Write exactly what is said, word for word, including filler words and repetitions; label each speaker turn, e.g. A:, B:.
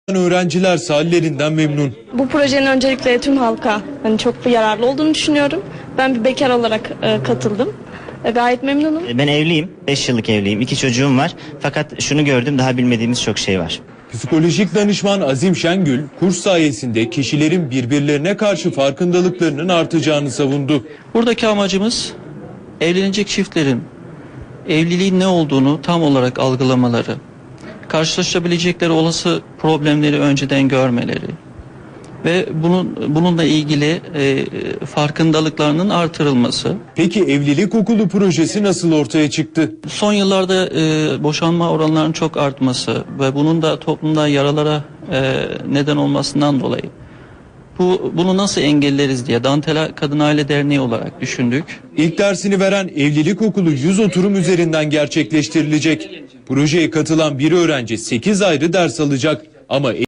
A: Öğrenciler hallerinden memnun.
B: Bu projenin öncelikle tüm halka hani çok yararlı olduğunu düşünüyorum. Ben bir bekar olarak e, katıldım. E, gayet memnunum.
C: Ben evliyim. beş yıllık evliyim. iki çocuğum var. Fakat şunu gördüm, daha bilmediğimiz çok şey var.
A: Psikolojik danışman Azim Şengül, kurs sayesinde kişilerin birbirlerine karşı farkındalıklarının artacağını savundu.
D: Buradaki amacımız evlenecek çiftlerin evliliğin ne olduğunu tam olarak algılamaları, karşılaşabilecekleri olası problemleri önceden görmeleri ve bunun bununla ilgili e, farkındalıklarının artırılması.
A: Peki evlilik okulu projesi nasıl ortaya çıktı?
D: Son yıllarda e, boşanma oranlarının çok artması ve bunun da toplumda yaralara e, neden olmasından dolayı bu bunu nasıl engelleriz diye Dantela Kadın Aile Derneği olarak düşündük.
A: İlk dersini veren evlilik okulu yüz oturum üzerinden gerçekleştirilecek. Projeye katılan bir öğrenci sekiz ayrı ders alacak ama